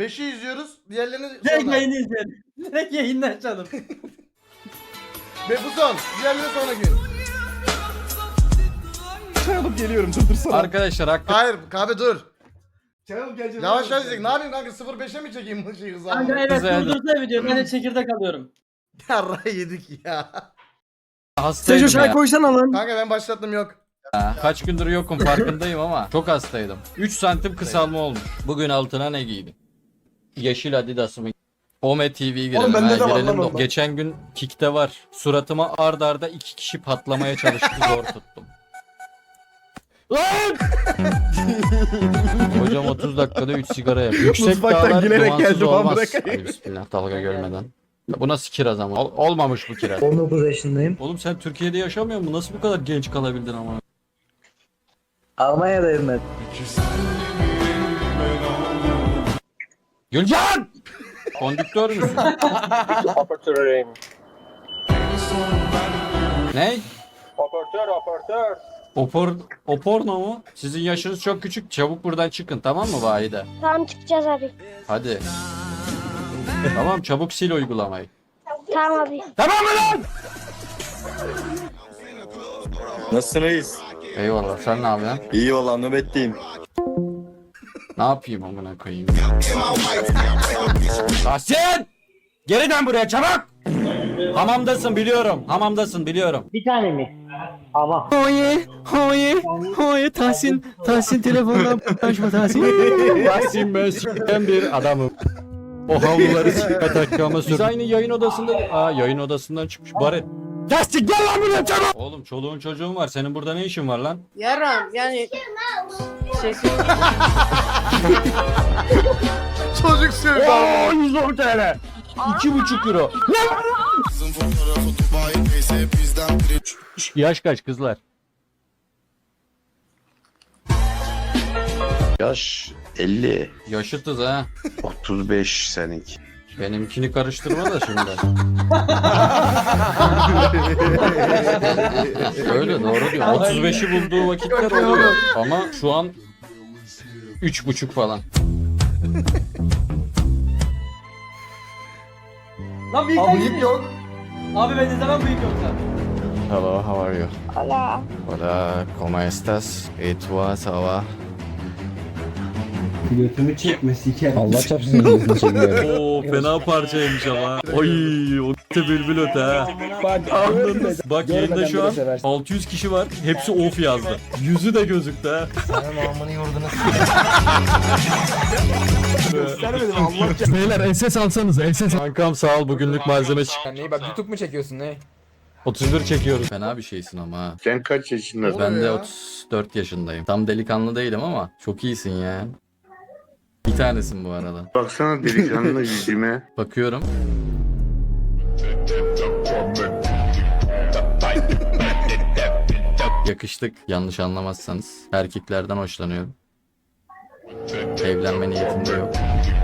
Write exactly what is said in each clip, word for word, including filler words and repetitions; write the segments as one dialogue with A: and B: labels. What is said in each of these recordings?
A: beşi izliyoruz. Diğerlerini
B: Direkt
A: sonra.
B: yayını izleyelim. Direkt yayını açalım.
A: Ve bu son. Diğerleri sonra gün.
C: Çay alıp geliyorum durdursana.
D: Arkadaşlar hakkı
A: Hayır abi dur.
C: Çay alıp geleceğim.
A: Yavaş yavaş izleyin. Ne yapayım kanka sıfır beşe mi çekeyim bu şeyi
B: Kanka
A: hızlı?
B: evet
D: Güzel.
B: durdursana video. Ben de çekirdek alıyorum.
A: Yarrağı yedik ya.
D: hastaydım
C: Sejo çay
D: ya.
C: koysana lan.
A: Kanka ben başlattım yok.
D: Kaç gündür yokum farkındayım ama çok hastaydım. üç santim kısalma olmuş. Bugün altına ne giydim? Yeşil Adidas'ımı. Ome T V'ye girelim.
C: bende
D: ha,
C: de var
D: girelim
C: lan
D: de.
C: ondan.
D: Geçen gün Kik'te var. Suratıma ard arda iki kişi patlamaya çalıştı zor tuttum. Lan! Hocam otuz dakikada üç sigara yap. Yüksek
C: Mutfaktan
D: dağlar
C: gülerek
D: dumansız
C: geldim,
D: olmaz.
C: amına koyayım.
D: Ay, bismillah dalga görmeden. Bu nasıl kiraz ama? Ol- olmamış bu kiraz.
E: on dokuz yaşındayım.
D: Oğlum sen Türkiye'de yaşamıyor musun? Nasıl bu kadar genç kalabildin ama?
E: Almanya'dayım ben.
D: Gülcan! Kondüktör müsün?
F: Operatörüyüm.
D: Ne?
F: Operatör, operatör.
D: Opor, oporno mu? Sizin yaşınız çok küçük. Çabuk buradan çıkın tamam mı Vahide?
G: Tamam çıkacağız abi.
D: Hadi. Tamam çabuk sil uygulamayı.
G: Tamam abi.
D: Tamam mı lan?
H: Nasılsınız?
D: Eyvallah sen ne yapıyorsun?
H: İyi valla nöbetteyim.
D: Ne yapayım amına koyayım? Tahsin! Geri dön buraya çabuk! Hamamdasın biliyorum. Hamamdasın biliyorum.
E: Bir tane mi? Ama.
C: Oye, oye, oye Tahsin, Tahsin telefondan açma Tahsin.
D: Tahsin ben s**ten bir adamım. O havluları s**me takıma sür. Biz aynı yayın odasında... Aa yayın odasından çıkmış Baret. Tahsin gel lan buraya çabuk! Oğlum çoluğun çocuğun var. Senin burada ne işin var lan?
I: Yaram yani şey
A: Çocuk sevdi.
D: Oo yüz on TL. iki buçuk euro. Yaş kaç kızlar?
H: Yaş elli.
D: Yaşıtız ha.
H: otuz beş seninki.
D: Benimkini karıştırma da şimdi. Öyle doğru diyor. otuz beşi bulduğu vakitler oluyor. Ama şu an üç buçuk falan.
B: Lan büyük
C: Abi
B: değil mi?
C: yok.
B: Abi ben izlemem büyük yoksa.
D: Hello, how are you?
G: Hola.
D: Hola, ¿cómo estás? ¿Y tú, ça va?
E: Götümü çekme siker.
C: Allah çarpsın gözünü çekiyor.
D: Oo fena parçaymış ama. Oy o bülbül öte ha.
C: Bak,
D: Bak yayında şu an altı yüz kişi var. Hepsi of yazdı. Yüzü de gözüktü ha.
C: göstermedim Allah çarpsın. Beyler enses alsanız enses.
D: Kankam sağ ol bugünlük malzeme çık.
C: Neyi bak YouTube mu çekiyorsun ne?
D: otuz bir çekiyoruz. Fena bir şeysin ama ha.
H: Sen kaç yaşındasın?
D: Ben de
A: ya?
D: otuz dört yaşındayım. Tam delikanlı değilim ama çok iyisin ya. Bir tanesin bu arada.
H: Baksana delikanlı yüzüme.
D: Bakıyorum. Yakıştık yanlış anlamazsanız. Erkeklerden hoşlanıyorum. Evlenme niyetim de yok.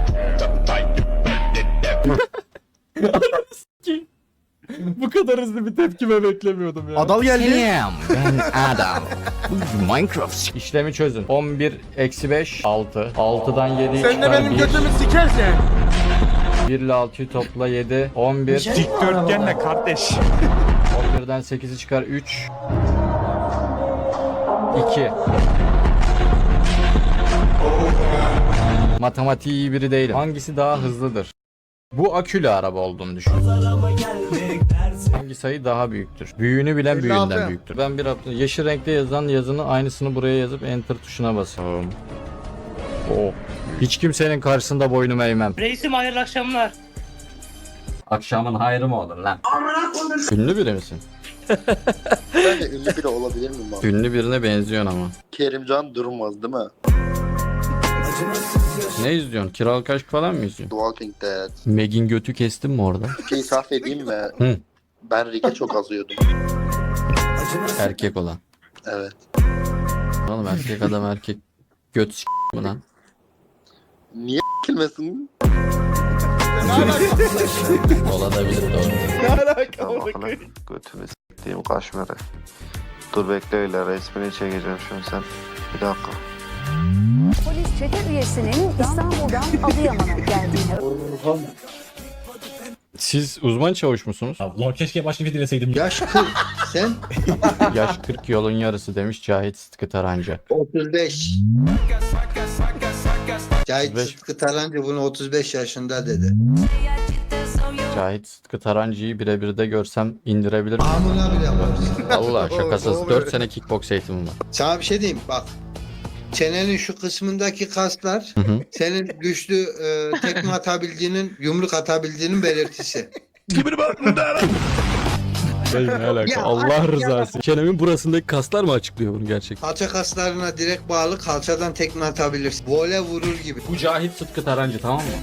D: Bu kadar hızlı bir tepkime beklemiyordum ya.
C: Adal geldi.
D: Selam ben Adam. Minecraft. İşlemi çözün. on bir eksi beş altı. altıdan yedi
A: Sen de benim götümü sikersen.
D: bir ile altıyı topla yedi. on bir.
C: Dikdörtgenle kardeş.
D: on birden sekizi çıkar üç. iki. Matematiği iyi biri değilim. Hangisi daha hızlıdır? Bu akülü araba olduğunu düşün. Hangi sayı daha büyüktür? Büyüğünü bilen
A: elli
D: büyüğünden
A: altı.
D: büyüktür. Ben bir hafta yeşil renkte yazan yazını aynısını buraya yazıp enter tuşuna basıyorum. Oh. Hiç kimsenin karşısında boynumu eğmem.
I: Reisim hayırlı akşamlar.
D: Akşamın hayrı mı olur lan? Ünlü biri misin?
J: Ben de ünlü biri olabilir miyim abi?
D: Ünlü birine benziyorsun ama.
J: Kerimcan Durmaz değil mi?
D: Ne izliyorsun? Kiralık Aşk falan mı izliyorsun?
J: The Walking Dead.
D: Meg'in götü kestin mi orada?
J: Bir şey itiraf edeyim mi?
D: Hı.
J: Ben Rick'e çok azıyordum.
D: Erkek olan.
J: Evet.
D: Oğlum erkek adam erkek göt s*** bu lan.
J: Niye kilmesin?
D: Olabilir doğru.
C: Ne alaka
H: Tamam,
C: onu koyayım?
H: götümü s**eyim kaşmere. Dur bekle öyle resmini çekeceğim şimdi sen. Bir dakika.
G: Polis çete üyesinin İstanbul'dan Adıyaman'a geldiğini
D: Siz uzman çavuş musunuz?
C: Ulan keşke başka bir dileseydim.
E: Yaş kırk. Sen?
D: Yaş kırk yolun yarısı demiş Cahit Sıtkı Tarancı.
E: otuz beş. Cahit
D: otuz beş.
E: Sıtkı Tarancı bunu otuz beş yaşında dedi.
D: Cahit Sıtkı Tarancı'yı birebir de görsem indirebilir miyim?
E: Amına bile yaparız.
D: Valla şakasız dört sene kickbox eğitimim var.
E: Sana bir şey diyeyim bak. Çenenin şu kısmındaki kaslar
D: Hı hı.
E: senin güçlü e, tekme atabildiğinin, yumruk atabildiğinin belirtisi.
D: Ne alaka?
E: Ya,
D: Allah rızası. Çenemin burasındaki kaslar mı açıklıyor bunu gerçekten?
E: Kalça kaslarına direkt bağlı, kalçadan tekme atabilirsin. Vole vurur gibi.
D: Bu Cahit Sıtkı Tarancı tamam mı?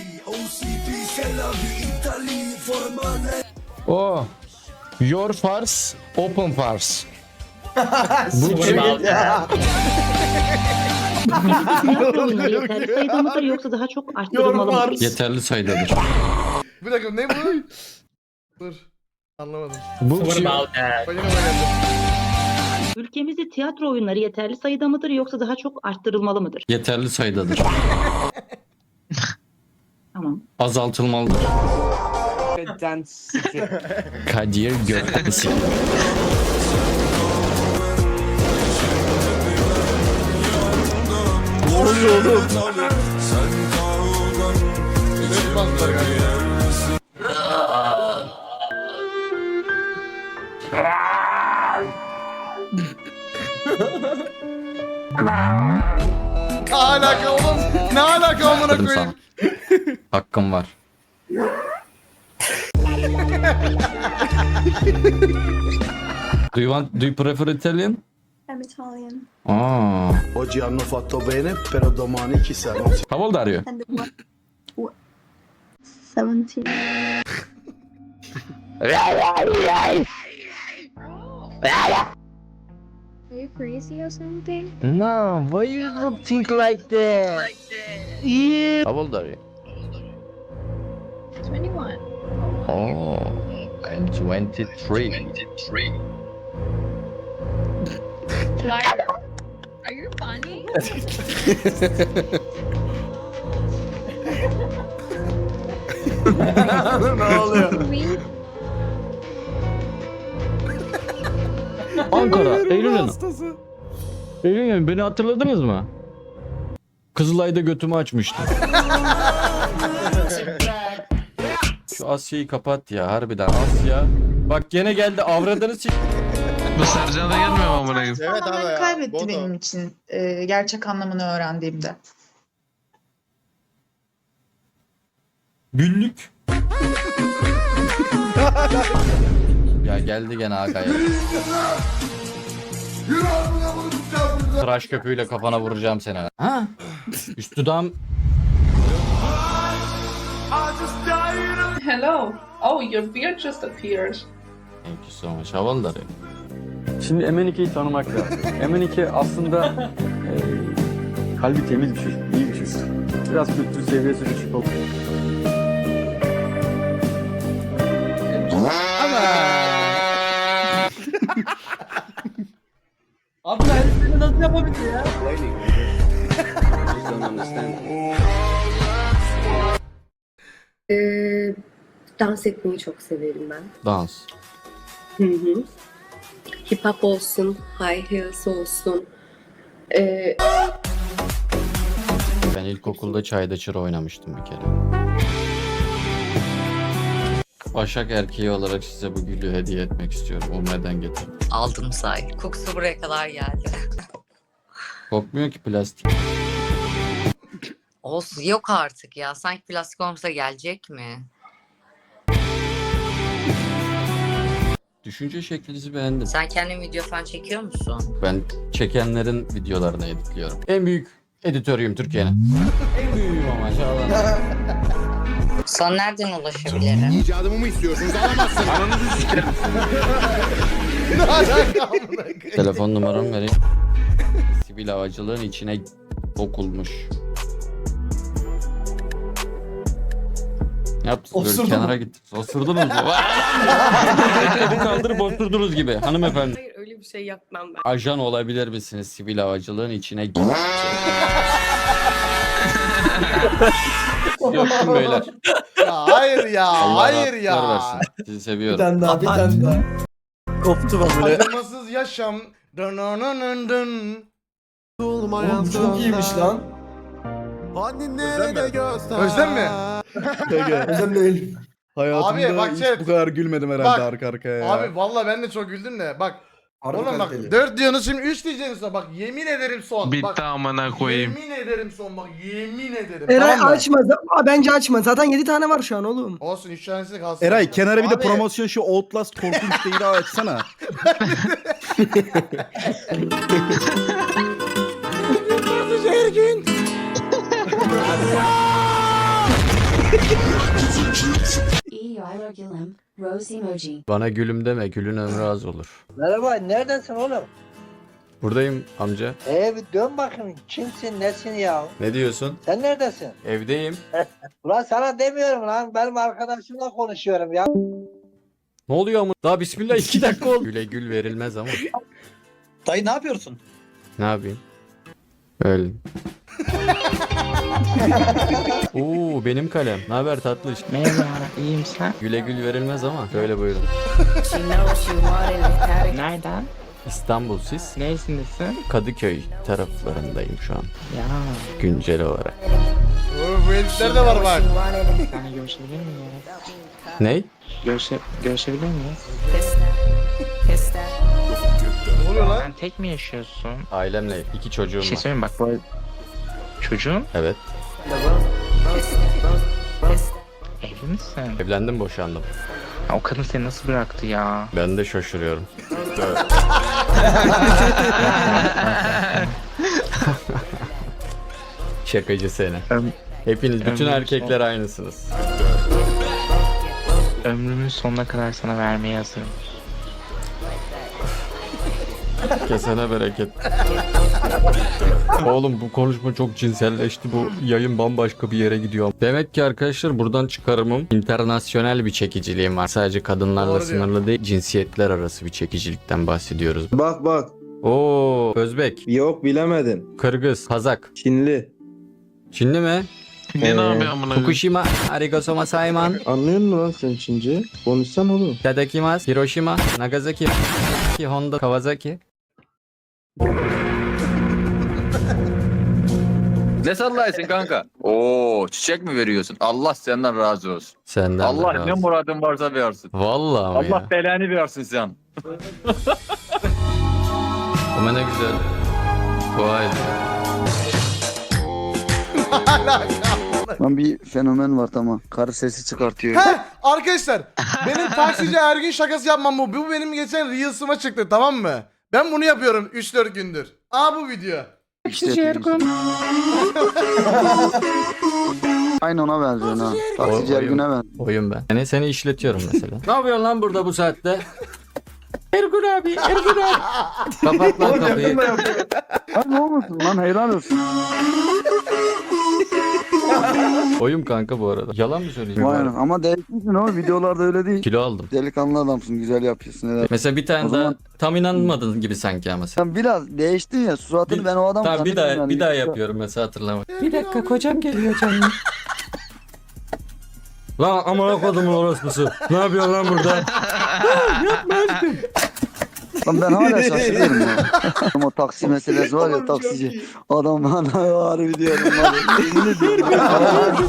D: Oh. Your farce, open farce. Bu kim?
I: Yeterli sayıda mıdır yoksa daha çok arttırılmalı mıdır?
D: Yeterli sayıdadır.
A: Bir dakika ne bu? Dur. Anlamadım.
D: Bu kim?
A: Başına mı geldi?
I: Ülkemizde tiyatro oyunları yeterli sayıda mıdır yoksa daha çok arttırılmalı mıdır?
D: Yeterli sayıdadır.
I: Tamam.
D: Azaltılmalıdır. Kadir Gökmesi.
A: Ne oluyor oğlum? Ses bastılar galiba. Ne alaka oğlum? Ne alaka amına
D: Dedim sana.
A: koyayım?
D: Hakkım var. Do you want, do you prefer Italian?
G: I'm Italian.
D: Aa.
H: Oggi hanno fatto bene, però domani chissà.
D: How old are you?
G: And what? what? seventeen. Are you crazy or something?
C: No, why you don't think like that? Yeah.
D: How old are you?
G: twenty-one.
D: Oh, I'm twenty-three.
G: Are you funny?
A: Ne oluyor?
G: Me?
D: Ankara, Eylül Hanım. Eylül Hanım beni hatırladınız mı? Kızılay'da götümü açmıştım. Şu Asya'yı kapat ya harbiden Asya. Bak gene geldi avradını sik.
C: Bu Sercan'a gelmiyor mu amına koyayım?
A: Evet abi ya.
K: kaybetti
A: Bodo.
K: benim için e, gerçek anlamını öğrendiğimde.
D: Güllük. Ya geldi gene Aga'ya. Tıraş köpüğüyle kafana vuracağım seni. Ha? Üst dudağım.
K: Hello. Oh, your beard just appeared.
D: Thank you so much. How old are you?
C: Şimdi M N iki'yi tanımak lazım. M N iki aslında e, kalbi temiz bir çocuk, iyi bir çocuk. Biraz kültür seviyesi düşük oldu.
B: Abi ben seni nasıl yapabildi ya?
G: Ee, dans etmeyi çok severim ben.
D: Dans.
G: Hı hı. Hip hop olsun, high heels olsun. Ee,
D: Ben ilkokulda çayda çıra oynamıştım bir kere. Başak erkeği olarak size bu gülü hediye etmek istiyorum. O neden getirdim?
I: Aldım say. Kokusu buraya kadar geldi.
D: Kokmuyor ki plastik.
I: Olsun yok artık ya. Sanki plastik olmasa gelecek mi?
D: Düşünce şeklinizi beğendim.
I: Sen kendin video falan çekiyor musun?
D: Ben çekenlerin videolarını editliyorum. En büyük editörüyüm Türkiye'nin. En büyüğüm ama maşallah.
I: Sana nereden ulaşabilirim?
H: İcadımı mı istiyorsunuz? Alamazsınız. Ananızı sikerim.
A: Ne alaka amına koyayım?
D: Telefon numaramı vereyim. Sivil havacılığın içine okulmuş.
C: Yaptınız böyle
B: Osurdun
C: kenara
B: mu?
C: gittiniz. Osurdunuz mu? Bu kaldırıp osurdunuz gibi hanımefendi.
K: Hayır öyle bir şey yapmam ben.
C: Ajan olabilir misiniz sivil havacılığın içine gir. Yoksun beyler.
A: Ya hayır ya.
C: Allah
A: hayır
C: rahatlıklar
A: ya.
C: versin. Sizi
B: Bir
C: seviyorum.
B: tane daha bir tane daha.
H: Koptu bak böyle.
A: Acımasız yaşam. Dın dın dın dın.
B: Oğlum bu çok iyiymiş lan.
A: Özlem mi?
B: Özlem değil.
H: Hayatımda
A: Abi bak
H: hiç
A: chat.
H: bu kadar gülmedim herhalde
A: Bak,
H: arka arkaya ya.
A: Abi vallahi ben de çok güldüm de. Bak.
B: Harbi
A: Oğlum bak
B: kaliteli.
A: dört diyorsunuz şimdi üç diyeceksiniz sonra. Bak yemin ederim son.
F: Bitti
A: bak,
F: amına koyayım.
A: Yemin ederim son bak. Yemin ederim.
L: Eray
A: tamam mı?
L: açma. Aa, bence açma. Zaten yedi tane var şu an oğlum.
A: Olsun üç tanesi kalsın.
H: Eray kenara bir de
A: Abi,
H: promosyon şu Outlast korkunç değil daha açsana.
G: İyi yaylar gülüm. Rose emoji.
C: Bana gülüm deme, gülün ömrü az olur.
L: Merhaba. Neredesin oğlum?
C: Buradayım amca.
L: Ee bir dön bakayım. Kimsin nesin ya?
C: Ne diyorsun?
L: Sen neredesin?
C: Evdeyim.
L: Ulan sana demiyorum lan. Benim arkadaşımla konuşuyorum ya.
C: Ne oluyor ama? Daha bismillah iki dakika oldu. Güle gül verilmez ama.
B: Dayı ne yapıyorsun?
C: Ne yapayım? Öyle. Oo benim kalem. Ne haber tatlış?
K: Merhaba iyiyim sen.
C: Güle gül verilmez ama. Şöyle buyurun.
K: Nereden?
C: İstanbul siz?
K: Neresindesin?
C: Kadıköy taraflarındayım şu an.
K: Ya.
C: Güncel olarak.
A: Oo, bu herifler de var bak.
K: Yani görüşebilir miyiz?
C: Ney?
K: Görüşe, görüşebilir miyiz?
A: Ne oluyor lan?
K: Sen tek mi yaşıyorsun?
C: Ailemle iki çocuğum
K: Bir şey
C: var.
K: söyleyeyim bak bu çocuğun
C: Evet.
K: evli misin?
C: Evlendim, boşandım.
K: Ya o kadın seni nasıl bıraktı ya?
C: Ben de şaşırıyorum. Şakacı seni.
K: Öm-
C: Hepiniz, bütün
K: Ömrüm
C: erkekler aynısınız.
K: Ömrümün sonuna kadar sana vermeye hazırım.
C: Kesene bereket. Oğlum bu konuşma çok cinselleşti. Bu yayın bambaşka bir yere gidiyor. Demek ki arkadaşlar buradan çıkarımım internasyonel bir çekiciliğim var. Sadece kadınlarla
A: Doğru diyor.
C: sınırlı değil, cinsiyetler arası bir çekicilikten bahsediyoruz.
F: Bak bak.
C: Oo, Özbek,
F: Yok bilemedin.
C: Kırgız, Kazak,
F: Çinli.
C: Çinli mi?
F: Ne
C: Ee,
F: ne yapıyor amına?
C: Fukushima, Arigasoma Saiman,
F: Anlıyor musun lan sen Çince? Konuşsan oğlum.
C: Tadakimasu, Hiroshima, Nagasaki, Honda, Kawasaki.
M: Ne sallaysın kanka? Oo, çiçek mi veriyorsun? Allah senden razı olsun.
C: Senden de
M: Allah
C: razı.
M: ne muradın varsa versin.
C: Vallahi ama
M: Allah
C: ya.
M: belanı versin sen.
C: Ama ne güzel. Vay.
J: Lan bir fenomen var tamam. Karı sesi çıkartıyor.
A: Heh, arkadaşlar benim taksici her gün şakası yapmam bu. Bu benim geçen Reels'ıma çıktı tamam mı? Ben bunu yapıyorum üç dört gündür. Aa bu video.
J: Aynı ona benziyor ha.
C: Taksici
J: Ergün'e benziyor.
C: Oyun ben. Yani seni işletiyorum mesela. Ne yapıyorsun lan burada bu saatte? Ergun abi, Ergun abi. Kapat lan kapıyı.
J: Lan ne olmasın lan helal olsun.
C: Oyun kanka bu arada. Yalan mı söyleyeceğim?
J: Vay anam. Ama değişmişsin ama videolarda öyle değil.
C: Kilo aldım.
J: Delikanlı adamsın güzel yapıyorsun helal.
C: Mesela bir tane
J: O
C: daha
J: zaman-
C: tam inanmadın gibi sanki ama sen.
J: Sen biraz değiştin ya suratını
C: Bir-
J: ben o adam
C: Tamam bir daha
J: zannettim
C: bir
J: yani.
C: daha yapıyorum mesela hatırlama. Bir dakika kocam geliyor canım. Lan amına kodumun orospusu. Ne yapıyorsun lan burada?
J: Lan ben hala şaşırıyorum ya. Ama o taksi meselesi var ya taksici. Adam bana harbi diyorum. Var ya, yemin ediyorum.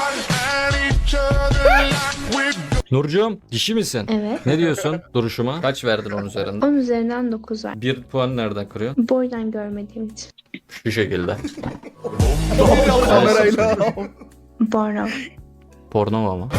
C: Nurcuğum dişi misin?
N: Evet.
C: Ne diyorsun duruşuma? Kaç verdin onun üzerinden?
N: on üzerinden dokuz ver.
C: Bir puan nereden kırıyorsun?
N: Boydan görmediğim için.
C: Şu şekilde.
H: Kamerayla.
N: Borno.
C: Porno mu ama?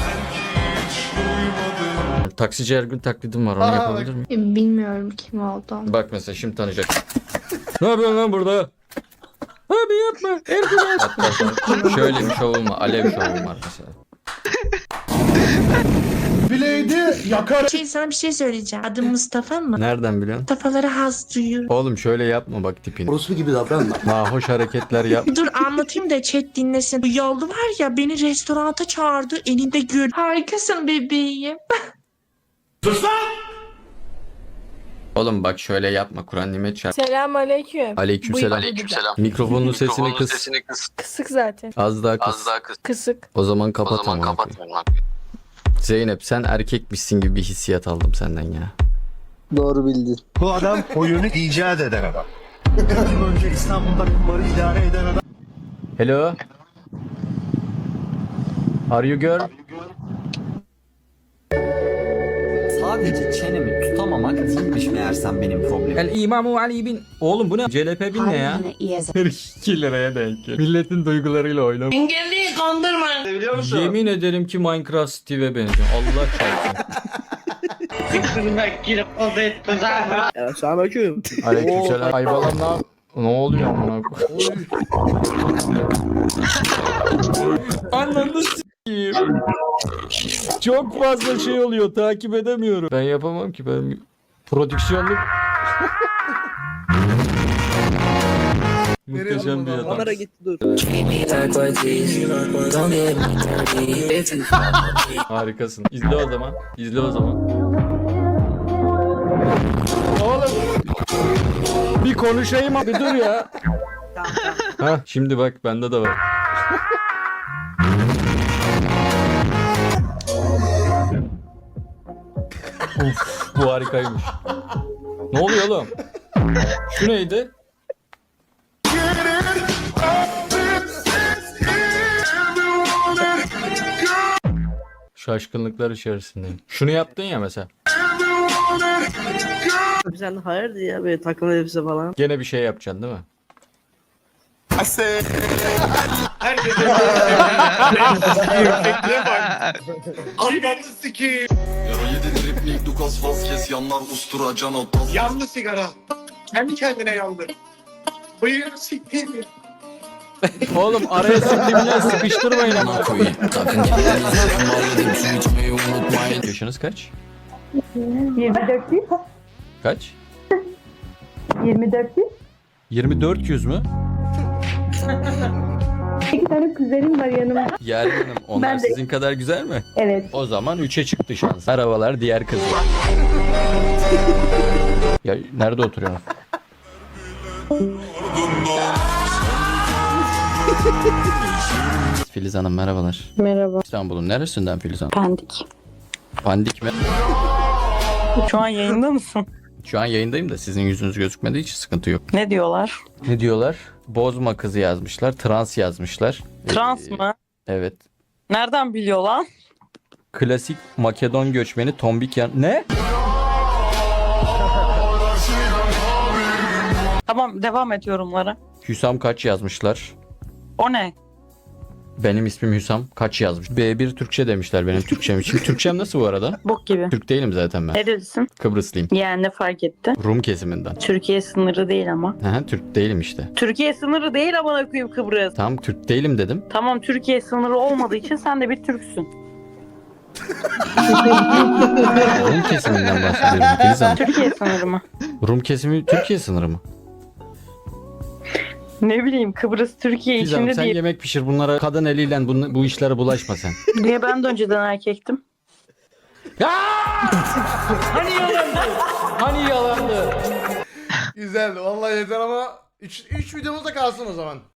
C: Taksici Ergün taklidim var onu
A: Aa,
C: yapabilir miyim?
N: Bilmiyorum kim olduğunu.
C: Bak mesela şimdi tanıyacak. Ne yapıyorsun lan burada? Abi yapma Ergün abi. Hatta sana şöyle bir şovum var. Alev şovum var mesela.
A: Blade'i yakar.
N: Şey sana bir şey söyleyeceğim. Adım Mustafa mı?
D: Nereden biliyorsun?
N: Mustafa'lara haz duyuyor.
D: Oğlum şöyle yapma bak tipini.
B: Orospu gibi davranma.
D: Nahoş hareketler yap.
N: Dur anlatayım da chat dinlesin. Bu yollu var ya beni restoranta çağırdı. Elinde gül. Harikasın bebeğim.
D: Oğlum bak şöyle yapma. Kur'an nimet çarp.
N: Selam aleyküm.
D: Aleykümselam.
M: Aleykümselam.
D: Mikrofonun sesini kıs.
N: Kısık zaten.
D: Az daha kıs.
M: Az daha kız.
N: Kısık.
D: O zaman kapat
M: O zaman
D: ama.
M: kapat.
D: Zeynep sen erkekmişsin gibi bir hissiyat aldım senden ya.
J: Doğru bildin.
B: Bu adam oyunu icat eden adam. Önce İstanbul'da kumarı idare eden adam.
D: Hello. Are you girl?
C: Sadece çenemi tutamamak değilmiş meğersem benim problemim.
D: El İmamu Ali bin. Oğlum bu ne? C L P bin ne ya? iki liraya denk gel. Milletin duygularıyla oynama.
L: Engelliyi kandırma. Biliyor musun?
D: Yemin ederim ki Minecraft Steve'e benziyor. Allah çarpsın.
L: Kırmak girip o da etmez abi.
H: Ya selamünaleyküm.
D: Aleykümselam. Ay balam ne yap- Ne oluyor amına koyayım? Ananı s**eyim. Çok fazla şey oluyor. Takip edemiyorum. Ben yapamam ki. Ben prodüksiyonluk. Muhteşem bir adam.
H: Kamera gitti dur.
D: Harikasın. İzle o zaman. İzle o zaman. Oğlum. Bir konuşayım abi dur ya. Ha şimdi bak bende de var. Uf, bu harikaymış. Ne oluyor oğlum? Şu neydi? Şaşkınlıklar içerisindeyim. Şunu yaptın ya mesela.
L: Sen hayırdır ya böyle takım elbise falan.
D: Gene bir şey yapacaksın değil mi?
B: Yandı sigara. Kendi kendine yandı. Bıyığını siktir.
D: Oğlum araya subliminal sıkıştırmayın ama. Yaşınız kaç?
G: yirmi dört değil.
D: Kaç?
G: yirmi dört değil.
D: yirmi dört yüz mü?
G: İki tane kuzenim var yanımda.
D: Yaren Hanım onlar
G: Ben de-
D: sizin kadar güzel mi?
G: Evet.
D: O zaman üçe çıktı şans. Merhabalar diğer kız. Ya nerede oturuyorsun? Filiz Hanım merhabalar.
N: Merhaba.
D: İstanbul'un neresinden Filiz Hanım?
N: Pendik.
D: Pandik mi?
N: Şu an yayında mısın?
D: Şu an yayındayım da sizin yüzünüz gözükmediği için sıkıntı yok.
N: Ne diyorlar?
D: Ne diyorlar? Bozma kızı yazmışlar. Trans yazmışlar.
N: Trans
D: Ee,
N: mı?
D: Evet.
N: Nereden biliyor lan?
D: Klasik Makedon göçmeni tombik yan... Ne?
N: Tamam devam et yorumlara.
D: Hüsam kaç yazmışlar?
N: O ne?
D: Benim ismim Hüsam. Kaç yazmış? B bir Türkçe demişler benim Türkçem için. Türkçem nasıl bu arada?
N: Bok gibi.
D: Türk değilim zaten ben.
N: Nerelisin?
D: Kıbrıslıyım.
N: Yani ne fark etti?
D: Rum kesiminden.
N: Türkiye sınırı değil ama.
D: Aha, Türk değilim işte.
N: Türkiye sınırı değil amına koyayım Kıbrıs.
D: Tamam Türk değilim dedim.
N: Tamam Türkiye sınırı olmadığı için sen de bir Türksün.
D: Rum kesiminden bahsediyorum Filiz Hanım.
N: Türkiye sınırı mı?
D: Rum kesimi Türkiye sınırı mı?
N: Ne bileyim Kıbrıs Türkiye
D: Filiz Hanım
N: içinde
D: sen
N: değil.
D: yemek pişir bunlara kadın eliyle bu, bu işlere bulaşma sen.
N: Niye ben de önceden erkektim?
D: Hani yalandı? Hani yalandı?
A: Güzeldi. Vallahi yeter ama üç videomuz da kalsın o zaman.